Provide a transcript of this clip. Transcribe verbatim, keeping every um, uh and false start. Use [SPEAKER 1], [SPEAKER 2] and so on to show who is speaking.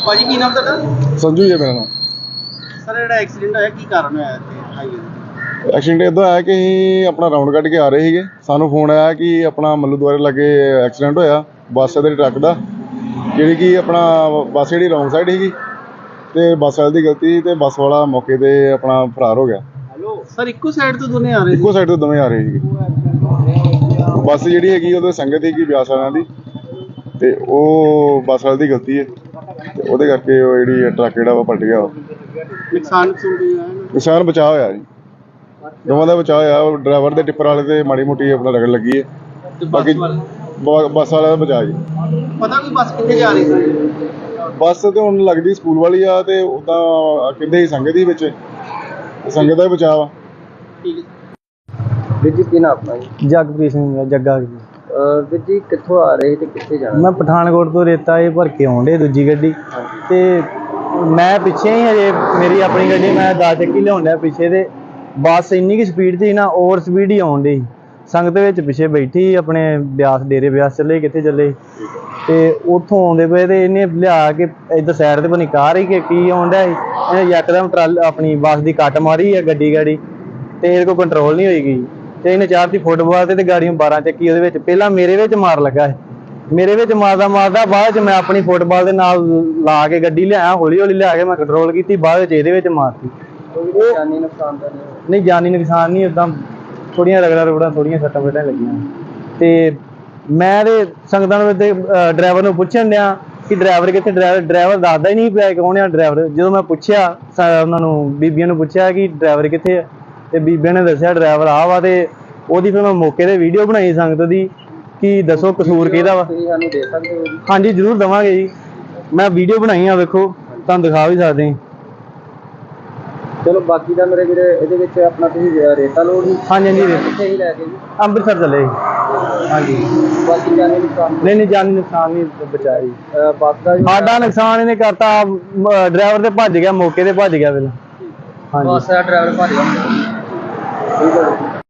[SPEAKER 1] ਭਾਜੀ ਕੀ ਨਾਮ ਤੁਹਾਡਾ?
[SPEAKER 2] ਸੰਜੂ ਜੀ ਮੇਰਾ ਨਾਮ।
[SPEAKER 1] ਸਰ ਜਿਹੜਾ ਐਕਸੀਡੈਂਟ ਹੋਇਆ ਕੀ ਕਾਰਨ ਹੋਇਆ ਇੱਥੇ ਹਾਈਵੇ ਤੇ?
[SPEAKER 2] ਐਕਸੀਡੈਂਟ ਇਦਾਂ ਹੋਇਆ ਕਿ ਅਸੀਂ ਆਪਣਾ ਰਾਉਂਡ ਕੱਢ ਕੇ ਆ ਰਹੇ ਸੀਗੇ, ਸਾਨੂੰ ਫੋਨ ਆਇਆ ਕਿ ਆਪਣਾ ਮੱਲੂ ਦੁਆਰੇ ਲਾਗੇ ਐਕਸੀਡੈਂਟ ਹੋਇਆ ਬੱਸ ਦੇ ਟਰੱਕ ਦਾ, ਜਿਹੜੀ ਕਿ ਆਪਣਾ ਬੱਸ ਜਿਹੜੀ ਰੌਂਗ ਸਾਈਡ ਸੀਗੀ ਤੇ ਬੱਸ ਵਾਲੇ ਦੀ ਗਲਤੀ ਤੇ ਬੱਸ ਵਾਲਾ ਮੌਕੇ ਤੇ ਆਪਣਾ ਫਰਾਰ ਹੋ ਗਿਆ।
[SPEAKER 1] ਹੈਲੋ ਸਰ, ਇੱਕੋ ਸਾਈਡ ਤੋਂ ਦੋਨੇ ਆ ਰਹੇ ਸੀ?
[SPEAKER 2] ਇੱਕੋ ਸਾਈਡ ਤੋਂ ਦੋਵੇਂ ਆ ਰਹੇ ਸੀਗੇ। ਬੱਸ ਜਿਹੜੀ ਹੈਗੀ ਉਹਦੇ ਸੰਗਤ ਸੀਗੀ ਬਿਆਸ ਵਾਲਿਆਂ ਦੀ ਤੇ ਉਹ ਬੱਸ ਵਾਲੇ ਦੀ ਗਲਤੀ ਹੈ ਤੇ ਉਹਦੇ ਕਰਕੇ ਉਹ ਜਿਹੜੀ ਟਰੱਕ ਜਿਹੜਾ ਵਾ ਪਲਟ ਗਿਆ।
[SPEAKER 1] ਨੁਕਸਾਨ ਨੁਕਸਾਨ ਵੀ ਹੋਇਆ?
[SPEAKER 2] ਨੁਕਸਾਨ ਬਚਾਅ ਹੋਇਆ ਜੀ, ਦੋਵਾਂ ਦਾ ਬਚਾਅ ਹੋਇਆ। ਉਹ ਡਰਾਈਵਰ ਦੇ ਟਿੱਪਰ ਵਾਲੇ ਤੇ ਮਾੜੀ ਮੋਟੀ ਆਪਣਾ ਰਗੜ ਲੱਗੀ ਹੈ, ਬਾਕੀ ਬੱਸ ਵਾਲੇ ਦਾ ਬਚਾਅ ਜੀ।
[SPEAKER 1] ਪਤਾ ਕੋਈ ਬੱਸ ਕਿੱਥੇ ਜਾ ਰਹੀ ਸੀ?
[SPEAKER 2] ਬੱਸ ਤੇ ਹੁਣ ਲੱਗਦੀ ਸਕੂਲ ਵਾਲੀ ਆ ਤੇ ਉਦਾਂ ਕਹਿੰਦੇ ਸੀ ਸੰਗਤ ਹੀ ਵਿੱਚ, ਸੰਗਤ ਦਾ ਹੀ ਬਚਾਅ ਵਾ।
[SPEAKER 1] ਠੀਕ ਹੈ
[SPEAKER 3] ਵੀਰ ਜੀ, ਕੀ ਨਾਮ ਆਪਣਾ ਜੀ?
[SPEAKER 4] ਜਗਪ੍ਰੀਤ ਸਿੰਘ ਜੱਗਾ ਜੀ।
[SPEAKER 3] ਵੀਰ ਜੀ, ਕਿੱਥੋਂ ਆ ਰਹੇ ਤੇ ਕਿੱਥੇ ਜਾਣਾ?
[SPEAKER 4] ਮੈਂ ਪਠਾਨਕੋਟ ਤੋਂ ਰੇਤਾ ਇਹ ਭਰ ਕੇ ਆਉਣ ਡੇ ਦੂਜੀ ਗੱਡੀ ਤੇ ਮੈਂ ਪਿੱਛੇ ਹੀ ਹਜੇ ਮੇਰੀ ਆਪਣੀ ਗੱਡੀ ਮੈਂ ਦਸ ਚੱਕੀ ਲਿਆਉਣ ਡਿਆ ਪਿੱਛੇ ਤੇ ਬੱਸ ਇੰਨੀ ਕੁ ਸਪੀਡ ਸੀ ਨਾ, ਓਵਰ ਸਪੀਡ ਹੀ ਆਉਣ ਡਈ। ਸੰਗਤ ਵਿੱਚ ਪਿੱਛੇ ਬੈਠੀ ਆਪਣੇ ਬਿਆਸ ਡੇਰੇ ਬਿਆਸ ਚੱਲੇ ਕਿੱਥੇ ਚੱਲੇ ਤੇ ਉੱਥੋਂ ਆਉਂਦੇ ਪਏ ਤੇ ਇਹਨੇ ਲਿਆ ਕੇ ਇੱਧਰ ਸਾਈਡ ਤੇ ਬਣੀ ਕਾਰ ਹੀ ਕਿ ਕੀ ਆਉਣ ਡਿਆ ਸੀ, ਇਹਨੇ ਯਕਦਮ ਟਰਾਲ ਆਪਣੀ ਬੱਸ ਦੀ ਕੱਟ ਮਾਰੀ ਹੈ ਗੱਡੀ ਗਾੜੀ ਤੇ ਇਹਦੇ ਕੋਲ ਕੰਟਰੋਲ ਨਹੀਂ ਹੋਈ ਗਈ ਤੇ ਇਹਨੇ ਚਾਰ ਦੀ ਫੁੱਟਬਾਲ ਤੇ ਗਾੜੀਆਂ ਬਾਰਾਂ ਚੱਕੀ ਉਹਦੇ ਵਿੱਚ ਪਹਿਲਾਂ ਮੇਰੇ ਵਿੱਚ ਮਾਰ ਲੱਗਾ ਹੈ। ਮੇਰੇ ਵਿੱਚ ਮਾਰਦਾ ਮਾਰਦਾ ਬਾਅਦ ਚ ਮੈਂ ਆਪਣੀ ਫੁੱਟਬਾਲ ਦੇ ਨਾਲ ਲਾ ਕੇ ਗੱਡੀ ਲਿਆਇਆ, ਹੌਲੀ ਹੌਲੀ ਲਿਆ ਕੇ ਮੈਂ ਕੰਟਰੋਲ ਕੀਤੀ, ਬਾਅਦ ਵਿੱਚ ਇਹਦੇ ਵਿੱਚ ਮਾਰਤੀ।
[SPEAKER 3] ਉਹ ਜਾਨੀ ਨੁਕਸਾਨ ਤਾਂ ਨਹੀਂ?
[SPEAKER 4] ਨਹੀਂ ਜਾਨੀ ਨੁਕਸਾਨ ਨਹੀਂ, ਉਦਾਂ ਥੋੜੀਆਂ ਰਗੜਾਂ ਰੁਗੜਾਂ ਥੋੜੀਆਂ ਸੱਟਾਂ ਫੇਟਾਂ ਲੱਗੀਆਂ ਤੇ ਮੈਂ ਤੇ ਸੰਗਤਾਂ ਨੂੰ ਤੇ ਡਰਾਈਵਰ ਨੂੰ ਪੁੱਛਣ ਡਿਆ ਕਿ ਡਰਾਈਵਰ ਕਿੱਥੇ, ਡਰਾਈਵਰ ਡਰਾਈਵਰ ਦੱਸਦਾ ਹੀ ਨਹੀਂ ਪਿਆ ਕੌਣ ਆ ਡਰਾਈਵਰ। ਜਦੋਂ ਮੈਂ ਪੁੱਛਿਆ ਉਹਨਾਂ ਨੂੰ ਬੀਬੀਆਂ ਨੂੰ ਪੁੱਛਿਆ ਕਿ ਡਰਾਈਵਰ ਕਿੱਥੇ ਆ ਤੇ ਬੀਬੀਆਂ ਨੇ ਦੱਸਿਆ ਡਰਾਈਵਰ ਆ ਵਾ ਤੇ ਉਹਦੀ ਫਿਰ ਮੈਂ ਮੌਕੇ ਤੇ ਵੀਡੀਓ ਬਣਾਈ ਸੰਗਤ ਦੀ ਕਿ ਦੱਸੋ ਕਸੂਰ ਕਿਹਦਾ ਵਾ।
[SPEAKER 3] ਤੁਸੀਂ ਸਾਨੂੰ ਦੇ ਸਕਦੇ ਹੋ ਜੀ?
[SPEAKER 4] ਹਾਂਜੀ ਜ਼ਰੂਰ ਦੇਵਾਂਗੇ ਜੀ, ਮੈਂ ਵੀਡੀਓ ਬਣਾਈ ਆ, ਵੇਖੋ ਤੁਹਾਨੂੰ ਦਿਖਾ ਵੀ ਸਕਦੇ ਹਾਂ।
[SPEAKER 3] ਚਲੋ ਬਾਕੀ ਦਾ ਮੇਰੇ ਵੀਰੇ ਇਹਦੇ ਵਿੱਚ ਆਪਣਾ ਤੁਸੀਂ ਰੇਤਾ ਲੋਡ ਹੀ?
[SPEAKER 4] ਹਾਂਜੀ ਹਾਂਜੀ
[SPEAKER 3] ਕਿੱਥੇ ਹੀ ਲੈ ਕੇ ਜੀ?
[SPEAKER 4] ਅੰਮ੍ਰਿਤਸਰ ਚੱਲੇ ਜੀ। ਹਾਂਜੀ
[SPEAKER 3] ਬਾਕੀ ਜਾਨੀ ਨੁਕਸਾਨ?
[SPEAKER 4] ਨਹੀਂ ਨਹੀਂ ਜਾਨੀ ਨੁਕਸਾਨ ਨਹੀਂ ਬਚਾਇਆ ਜੀ।
[SPEAKER 3] ਬੱਸ ਦਾ ਜੀ?
[SPEAKER 4] ਸਾਡਾ ਨੁਕਸਾਨ ਇਹਨੇ ਕਰਤਾ, ਡਰਾਈਵਰ ਤੇ ਭੱਜ ਗਿਆ, ਮੌਕੇ ਤੇ ਭੱਜ ਗਿਆ ਪਹਿਲਾਂ। ਹਾਂਜੀ
[SPEAKER 3] ਬੱਸ ਦਾ ਡਰਾਈਵਰ ਭੱਜ ਗਿਆ। ਠੀਕ ਹੈ।